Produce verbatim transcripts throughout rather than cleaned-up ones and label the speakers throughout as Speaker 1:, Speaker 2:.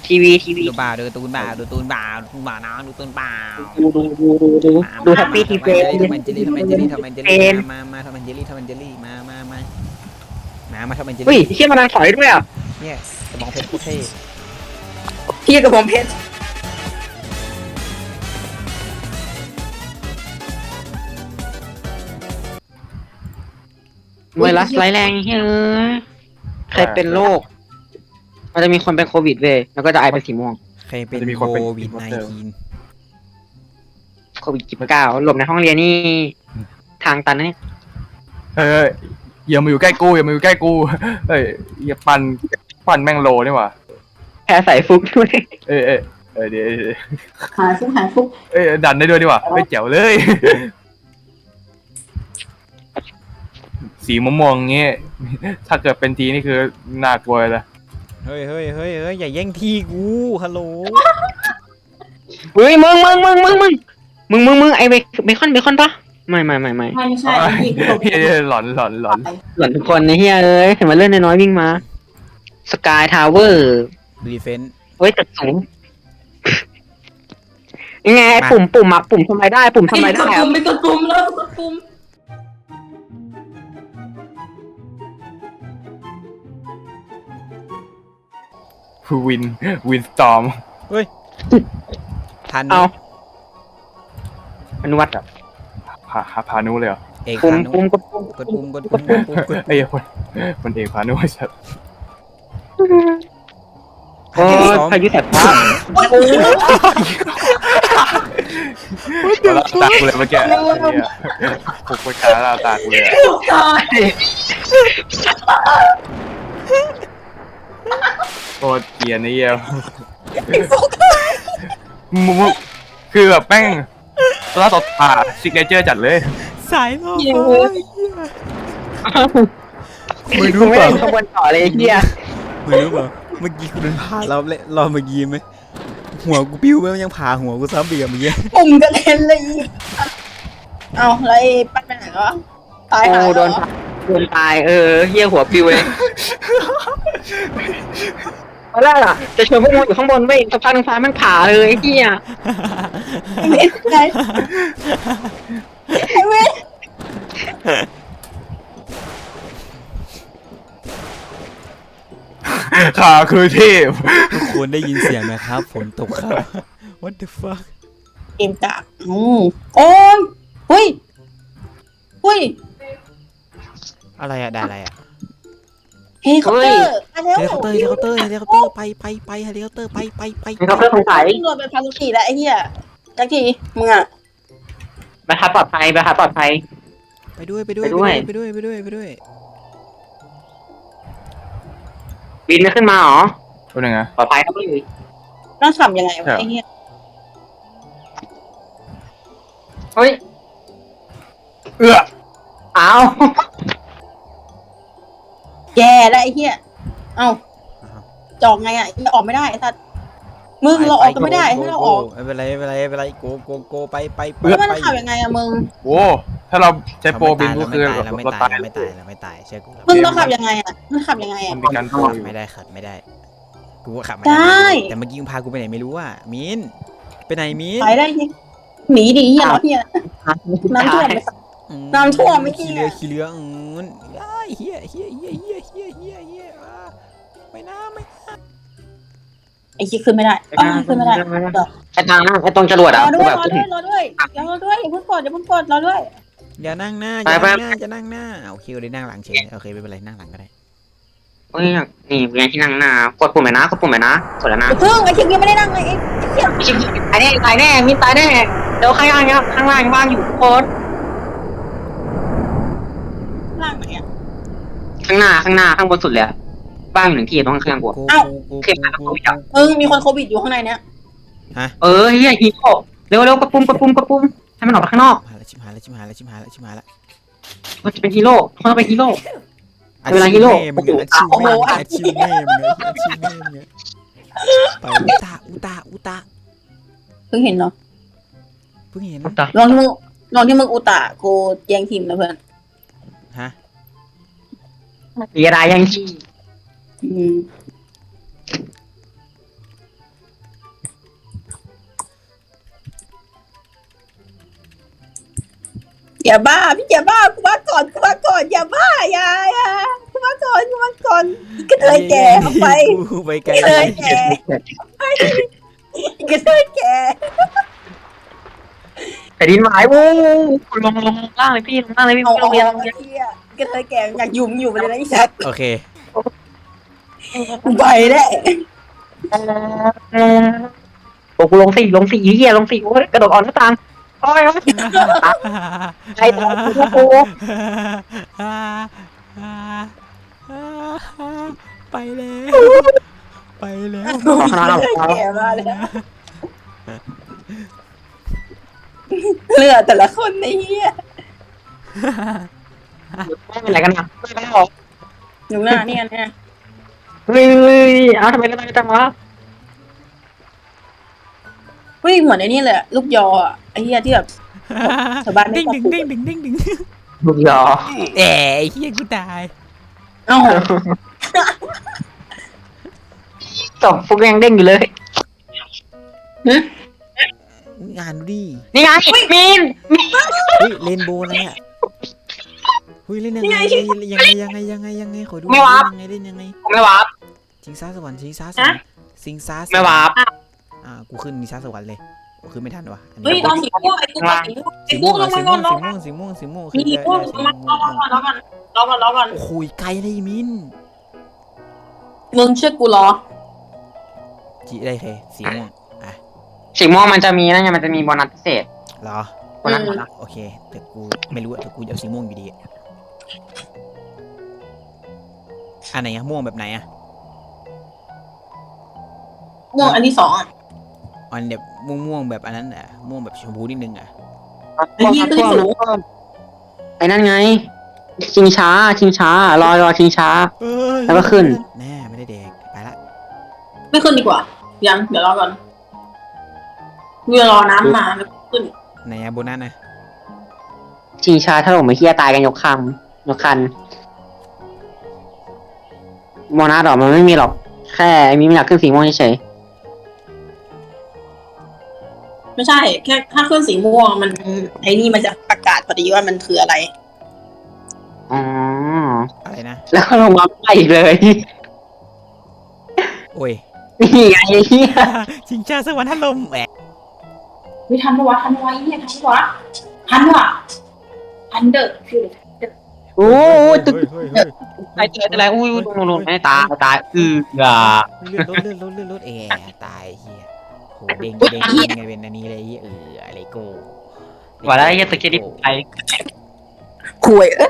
Speaker 1: ทีวีทีวี
Speaker 2: ดูบ่าดูตูนบ่าดูตูนบ่าดูบ่านะดูตูนบ่า
Speaker 1: ดูดูดูดูดูดูแฮปปี้ทีเฟส
Speaker 2: ทำมันเจลี่ทำมันเจลี่ทำมันเจลี่มามาทำมันเจลี่ทำมันเจลี่มามามามามาทำมันเจลี่
Speaker 1: เฮ้ยเชี่ยมันถอยด้วยอ่ะ
Speaker 2: เนี่ยกระบองเพชรโคตรเท่
Speaker 1: เฮียกับผมเพชรไวรัสร้ายแรงเฮ้ยใครเป็นโรคมันจะมีคนเป็นโควิดเว้ยแล้วก็จะไอเป็นสีม่วง
Speaker 2: ใครเป็นโควิด สิบเก้า
Speaker 1: โควิดสิบเก้าหลบในห้องเรียนนี่ทางตันนะเนี่ย
Speaker 3: เฮ้ยอย่ามาอยู่ใกล้กูอย่ามาอยู่ใกล้กูเฮ้ยอย่าปั่นปั่นแม่งโลนี่หว่า
Speaker 1: แพ้ใส่ฟุกด้วย
Speaker 3: เอ้ยเอ้ยเอ้ยเดี๋ยว
Speaker 4: หายฟุกหายฟุก
Speaker 3: เอ้ยดันได้ด้วยดีกว่าไม่เจ๋วเลยสีม่วงๆงี้ถ้าเกิดเป็นทีนี่คือน่ากลัวเลย
Speaker 2: เฮ้ยเฮ้ยเฮ้ยเฮ้ยอย่าแย่งที่กูฮัลโหล
Speaker 1: เฮ้ยมึงมึงมึงมึงมึงมึงมึงมึงไอเบเบคอนเบคอนปะไม่ไม่ไม่ไม่
Speaker 4: ไม่ไม่ใช่ที่ตก
Speaker 3: เฮ้ยหลอนหลอนหลอน
Speaker 1: หล่อนทุกคนในเฮียเอ้ยเห็นมันเลื่อนน้อยๆวิ่งมาสกายทาวเวอร์
Speaker 2: รีเฟน
Speaker 1: เฮ้ยตึกสูงยังไงไอ้ปุ่มปุ่มอะปุ่มทำไมได้ ปุ่มทำไมได้
Speaker 4: กด
Speaker 1: อะ
Speaker 4: ปุ่มไปกดปุ่มแล้วกดปุ่ม
Speaker 3: วินวินสตอม
Speaker 2: เฮ้ยทัน
Speaker 1: เอาอนุวัต
Speaker 3: พาพานุเลยเหรอ
Speaker 2: เอก
Speaker 1: ปุ่ม
Speaker 2: พานุ
Speaker 1: ปุ่มกดปุ่ม
Speaker 2: กดปุ่มกดปุ่มกดปุ่มกด
Speaker 3: ไอ้ยคนคนเอกพานุชัด
Speaker 1: โอ้ยพายุแสบฟ้า
Speaker 3: เราตากูเลยเมื่อกี้ปลุกไปขาเราตากูเลย
Speaker 4: ตาย
Speaker 3: โคตรเกลียดนี่เยี่ยมมุกคือแบบแม่งตัวต่อตาซิกเนเจอร์จัดเลย
Speaker 2: สายล่อ
Speaker 1: มึงรู้ไม่ได้ขบวนต่อเลยเฮีย
Speaker 2: มึงรู้เปล่าเมื่อกี้กูเดินผ่านเราเลยเราเมื่อกี้ไหมหัวกูปิ้วไปมันยังผ่าหัวกูซ้ำเบียร์เมื่อกี้
Speaker 4: ปุ่มกระเด็นเลยเอาแล้วไอ้ปั้นไปไหนวะตายหา
Speaker 1: โอ้โดนโดนตายเออเฮียหัวปิวเลยตอนแรกอะจะชวนพวกมึงอยู่ข้างบนไม่สักพักนึงฟ้ามันผ่าเลยเฮีย
Speaker 4: เว้ยไงไอ้เว้ย
Speaker 3: ขาคือเทพ
Speaker 2: ทุกคนได้ยินเสียงไหมครับฝนตกครับ what the fuck
Speaker 4: เกมกะอืมโอ้ยเฮ้ยเฮ้ย
Speaker 2: อะไรอะได้อะไรอะ
Speaker 4: เฮลิคอปเตอร์มาแล้ว
Speaker 2: เฮลิคอปเตอร์เฮลิคอปเตอร์เฮลิคอปเตอร์ไปไปไปเฮลิคอปเตอร์ไปไปไป
Speaker 1: มีเขาเพื่อสงสัย
Speaker 4: โดนเป็นพาสุกิแล้วไอ้เหี้ยจักทีมึงอะ
Speaker 1: ไปทับปลอดภัยไปทับปลอดภัย
Speaker 2: ไปด้วยไปด้วย
Speaker 1: ไปด้วย
Speaker 2: ไปด้วยไปด้วยไปด้วย
Speaker 1: บินไม่ขึ้นมาหรอ
Speaker 3: เป็นยังไง
Speaker 1: ปลอดภัยครับพี่
Speaker 4: ต้องทำยังไงวะไอ้เหี้ย
Speaker 1: เฮ้ย
Speaker 3: เอื้อ
Speaker 1: อ้าว
Speaker 4: แย่แล้วไอ้เหี้ยเอ้าจอกไงอะออกไม่ได้ไอ้สัตว์มึงเราออกกันไม่ได้ถ้าเราออก
Speaker 2: ไม่เป็นไรไม่เป็นไรไม่เป็นไรโกโกโกไปไปไป
Speaker 4: แล้วมัน
Speaker 2: ไป
Speaker 4: ทำยังไงอะมึง
Speaker 3: โอ้ถ้าเราใช้โปรบินก็คือ
Speaker 2: เราไม่
Speaker 3: เรา
Speaker 2: ตา
Speaker 3: ตาย ย
Speaker 2: เราไม่ตายเราไม่ตายเชื่อกู
Speaker 4: มึงต้องขับยังไงอะมึงขับยังไง
Speaker 3: มั
Speaker 4: อะ
Speaker 3: นมีการโปรอยู่
Speaker 2: ไม่ได้ขัดไม่ได้กูก็ขับ
Speaker 4: ได้
Speaker 2: แต่เมื่อกี้มึงพากูไปไหนไม่รู้อ่ะมินไปไหนมิน
Speaker 4: ไปได้ยังหนีดิเหี้ยเหรอเหี้ยน้ำท่วมไปสัตว์ น้ำท่วมไม่
Speaker 2: ขี้
Speaker 4: เหี้
Speaker 2: เรื
Speaker 4: ย
Speaker 2: อขี้เรืออืมอ้ายเฮียเฮียเฮียเฮียเฮียเฮียเฮียอ่าไม่น่าไม่น่า
Speaker 4: ไอ้คิดขึ้นไม่ได้อ้าวขึ้นไม่ได้เดี๋ยว
Speaker 1: ไอ้ทางไอ้ตรงจรวด
Speaker 4: ร
Speaker 1: อ่ะ
Speaker 4: อด้
Speaker 1: กู
Speaker 4: วย
Speaker 1: แบบ
Speaker 4: รอด้วยรอด้วยรอด้วยอย่าเพิ่งกดอย่าเพิ่งกดรอด้วย
Speaker 2: อย่านั่งหน้าอ
Speaker 1: ไป
Speaker 2: ย่า
Speaker 1: ไป
Speaker 2: นั่งหน้าจะนั่งหน้าโอเคเราได้นั่งหลังเฉยโอเคไม่เป็นไรนั่งหลังก็ได้
Speaker 1: เฮ้ยนี่เวียนที่นั่งหน้ากดปุ่มไหนนะกดปุ่มไหนนะกดแล้วนะ
Speaker 4: อย่าเพิ่งไอ้คิดยังไม่ได้นั่งเลยไอ้เหี้ย
Speaker 1: ตายแน่ตายแน่มีตายแน่เดี๋ยวข้างล่างเนี้ยข้างล่างว่างอยู่โคตร
Speaker 4: ล่างไหนอะ
Speaker 1: ข้างหน้าข้างหน้าข้างบนสุดเลยว่างอยู่หนึ่งที่ตรงข้างๆกู
Speaker 2: กู
Speaker 4: เอ้า
Speaker 2: กู
Speaker 1: เข็ม
Speaker 2: กู
Speaker 1: กู
Speaker 2: กู
Speaker 1: อยาก
Speaker 4: มึงมีคนโควิดอยู่ข้างในเนี้ย
Speaker 1: เออเฮียฮีโร่เร็วเร็วกระปุ่มกระปุ่มกระปุ่มให้มันออกไปข้างนอก
Speaker 2: หายแล้วชิมหายแล้วชิมหายแล้วชิมหายแล้วชิมหายแล้ว
Speaker 1: มันจะเป็นฮีโร่เขาต้องเป็นฮีโร่ เวลาฮีโร่
Speaker 2: มึงอาชีพแม่มึงอาชีพแม่มึงอาชีพแม่มึงไปอุตาอุตาอุตา
Speaker 4: เพิ่งเห็นเนาะ
Speaker 2: เพิ่งเห็น
Speaker 4: ลองที่มึงลองที่มึงอุตะกูแย่งทีมนะเพื่อน
Speaker 2: ฮะ
Speaker 1: เสียดายยังที่
Speaker 4: อืมอย่าบ้าพี่อย่าบ้ากูมาก่อนกูมาก่อนอย่าบ้าอย่าอย่ากูมาก่อนกูมาก่อนกระเทยแก่เอาไป
Speaker 2: กูไปไกล
Speaker 4: กระเทยแก่กระเทยแก่
Speaker 1: แต่ดินหมายโอ้ลงลงลงล่างเลยพี่ลงล่างเลยพี่
Speaker 4: เอา
Speaker 1: ล
Speaker 4: เอา
Speaker 1: งเรียน
Speaker 4: เอาไอ้เหี้ยกระเทยแก่อยากยุ่มอยู่ไปเลยนะไอ้สัตว์
Speaker 2: โอเค
Speaker 4: กูไปแน่
Speaker 1: โอ้กูลงสี่ลงสี่เหี้ยลงสี่โอ้ยกระโดดออกหน้าต่างโอ้ยใครตายกู
Speaker 2: ไปแล้วไปแล้ว
Speaker 4: กระเทยแก่มาเลยเลือดแต่ละคนไอ้เหี้ย
Speaker 1: ไม่เป็นไรกันนะไม่เป็นไรหรอก
Speaker 4: อยู่หน้าเนี่ยเนี่ย
Speaker 1: เฮ้ยเอาทำไมกันจังวะ
Speaker 4: เฮ้ยเหมือนไอ้นี่เลยลูกยออ่ะไอ้เหี้ยที่แบบชาวบ้านไม่
Speaker 2: ดิ้ง
Speaker 4: ชอบ
Speaker 2: ดิ้ง
Speaker 4: ปลูก
Speaker 2: ดิ้งดิ้งดิ้งดิ้ง
Speaker 1: ลูกยอ
Speaker 2: เอ๋ไอ้เฮียกูตาย
Speaker 4: เอ้า
Speaker 1: ศพฟุกยังเด้งอยู่เลย
Speaker 2: งานดูดิ
Speaker 1: นี่ไงมีน
Speaker 2: เฮ้ยเรนโบว์อะไรอ่ะเฮ้ยเล่นยังไงยังไงยังไงยังไงยังไงขอดูยังไงเล่นยังไง
Speaker 1: ผมไม่วาร์ป
Speaker 2: ชิงช้าสวรรค์ชิงช้าสวรรค์ชิงช้าสวรรค์
Speaker 1: ไม่วาร์ป
Speaker 2: อ่ากูขึ้นชิงช้าสวรรค์เลยกูขึ้นไม่ทันวะอัน
Speaker 4: เฮ้ย
Speaker 2: นี้
Speaker 4: ตอนสีม่วงไอ้กูสีม่วงไอ้กูลงมาก่อนลงมา
Speaker 2: สีม่วงสีม่วงสี
Speaker 4: มี
Speaker 2: ม่วง
Speaker 4: สี
Speaker 2: สี
Speaker 4: ม่วง
Speaker 2: ม่วง
Speaker 4: ลงมาลงมาลงมาลงมาลงมา
Speaker 2: โอ้โหไกลเลยมิน
Speaker 4: มึงเชื่อกูเหรอ
Speaker 2: จีได้เคสีม่วงอ่ะ
Speaker 1: สีม่วงมันจะมีนั่นไงมันจะมีโบนัสพิเศษ
Speaker 2: เหรอ
Speaker 1: โบนัสโบนัส
Speaker 2: โอเคแต่กูไม่รู้อะแต่กูจะเอาสีม่วงอยู่ดีอันไหนอะม่วงแบบไหนอะ
Speaker 4: ม่วงอันที่สองอ่ะ
Speaker 2: อันแบบม่วงม่วงแบบอันนั้นอะม่วงแบบชมพูนิดนึงอะ
Speaker 4: ไอ้เหี้ยขึ้นสูง
Speaker 1: ไอ้นั่นไง ชิงช้า ชิงช้ารอรอชิงช้า แล้วก็ขึ้น
Speaker 2: แน่ไม่ได้เด็กไปละ
Speaker 4: ไม่ขึ้นดีกว่ายังเดี๋ยวรอก่อนเมื่อรอน้ำมาแล้วขึ้น
Speaker 2: ไหนอะโบนัสนะ
Speaker 1: ชิงช้าถ้าผมไม่เฮียตายกันยกคำยกคันโบนัสหรอมันไม่มีหรอก แค่มีไม่อยากขึ้นสีม่วงเฉย
Speaker 4: ไม่ใช่แค่ถ้าขึ้นสีม่วงมันไอ้นี่มันจะประกาศพอดีว่ามันคืออะไร
Speaker 1: ๆอ๋อ
Speaker 2: อะไรนะ
Speaker 1: แล้วก็ลงมาไปอีกเลย
Speaker 2: โอ้ย
Speaker 1: นี่ไงไอ้เฮีย
Speaker 2: ชิงชาสวรรค์ทันลมแหม
Speaker 4: ไม่ทันปะวะทันปะวะไอ้เนี่ยทันปะวะทันวะทันเดอร์คือ
Speaker 1: โอ้ยตึก
Speaker 2: เฮ้ยเฮ้ย
Speaker 1: ไอ้เจออะไรอุ้ยลงลงไม่ตายตายอืออ่า
Speaker 2: เลื่อนรถเลื่อนรถเลื่อนรถแอร์ตายเฮียโหเด้งเด้งเด้งไงเป็นอันนี้เลยเอออะไรโก้
Speaker 1: ว่าแล้วไอ้เฮียตึกเครดิตไป
Speaker 4: คุยเอ๊ะ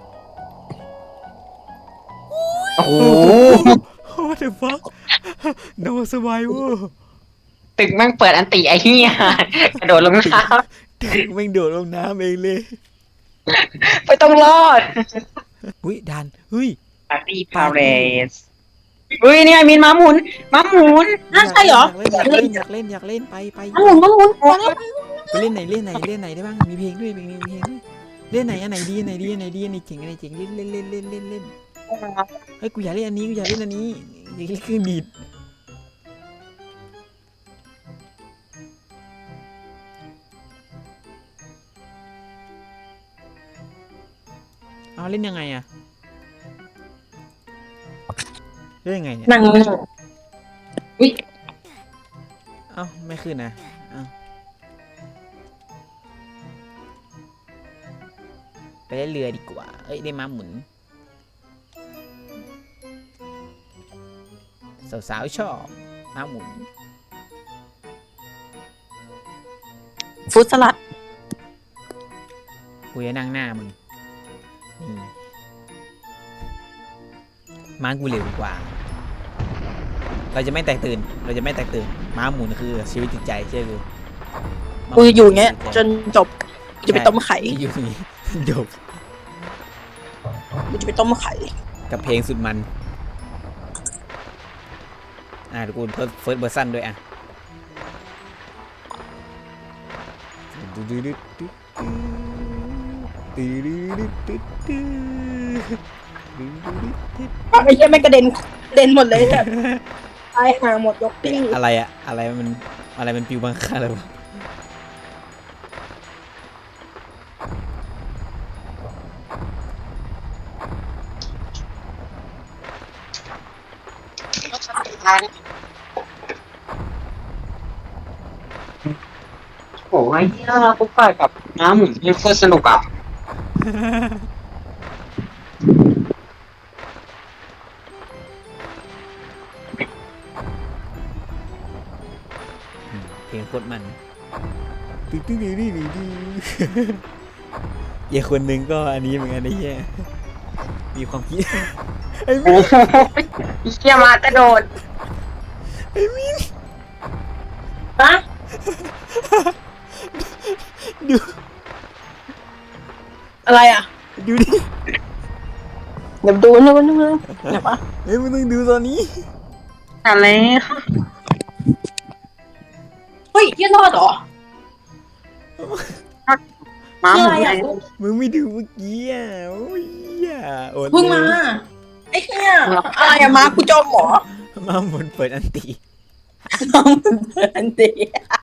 Speaker 1: โอ้โห
Speaker 2: What the fuck No survivor
Speaker 1: ตึกแม่งเปิดอันติไอ้เฮียกระโดดลงน้
Speaker 2: แม่งโดดลงน้ำเองเลย
Speaker 1: ำไม่ต้องรอด
Speaker 2: หุ้ยดันเฮ้ย
Speaker 1: ปาร์ตี้พาเรสเฮ้ยนี่ไงมินม้าหมุนม้าหมุน
Speaker 4: น่าใช่เหรอ
Speaker 2: อยากเล่นอยากเล่นอยากเล่นไปไป
Speaker 4: หมุนหมุนหมุนหมุน
Speaker 2: ไปเล่นไหนเล่นไหนเล่นไหนได้บ้างมีเพลงด้วยเพลงนี้มีเพลงด้วยเล่นไหนอันไหนดีอันไหนดีอันไหนดีอันไหนเจ๋งอันไหนเจ๋งเล่นเล่นเล่นเล่นเล่นเล่นเฮ้ยกูอยากเล่นอันนี้กูอยากเล่นอันนี้อยากเล่นเครื่องดีดเอาเล่นยังไงอะเล่นยังไงเนี่ย
Speaker 4: นั่ง
Speaker 2: เอ้าไม่ขึ้นนะเอ้าไปเล่นเรือดีกว่าเอ้ยได้ม้าหมุนสาวๆชอบม้าหมุน
Speaker 4: ฟุตสลัด
Speaker 2: กูจะนั่งหน้ามึงนี่ม้ากูเร็วกว่า เราจะไม่แตกตื่น เราจะไม่แตกตื่น ม้าหมุนคือชีวิตจิตใจเชื่อกู
Speaker 4: กูจะอยู่อย่างเงี้ยจนจบกูจะไปต้มไข่
Speaker 2: อยู่นี่ จบ
Speaker 4: กูจะไปต้มไข่
Speaker 2: กับเพลงสุดมัน อ่าเดี๋ยวกูเพิ่มเฟิร์สเวอร์ชันด้วยอ่ะ
Speaker 4: ไอ้เหี้ยไม่กระเด็นกระเด็นหมดเลยเนี่ยตายห่าหมดยกติ้ง
Speaker 2: อะไรอะอะไรมันอะไรมันปิวบังคับเลยวะ
Speaker 1: โอ้ยที่เราปุ๊บไปกับน้ำหมุนนี่โคตรสนุกอ่ะ
Speaker 2: เพลงโคตรมันตึ๊ดตึ๊ดตึ๊ดตึ๊ดตึ๊ดเหี้ยคนหนึ่งก็อันนี้เหมือนกันไอ้เหี้ยมีความคิดไอ้
Speaker 1: โอ้
Speaker 2: มิ้น
Speaker 1: โหเชี่ยมากระโดด
Speaker 2: ไอ้มิ้น
Speaker 4: ฮะ
Speaker 2: ดู
Speaker 4: อะไรอ่ะ
Speaker 2: ดูดิ
Speaker 4: เดี๋ยวดูนู่นนู่นเดี๋ยวปะ
Speaker 2: เฮ้ยมึงต้องดูตอนนี้
Speaker 1: อะไร
Speaker 4: เฮ้ยยี่รอดเหรอ
Speaker 1: ม้าหมุน
Speaker 4: อะไร
Speaker 1: ไง
Speaker 4: อ่ะ
Speaker 2: มึงไม่ดูเมื่อกี้อ่ะโอ้ยอ่ะอด
Speaker 4: เพิ่งมา ไอ้เหี้ยอะไรอะมากูจมเหรอ
Speaker 2: มาหมุนเปิดอันตี
Speaker 4: น้องมันเดินดี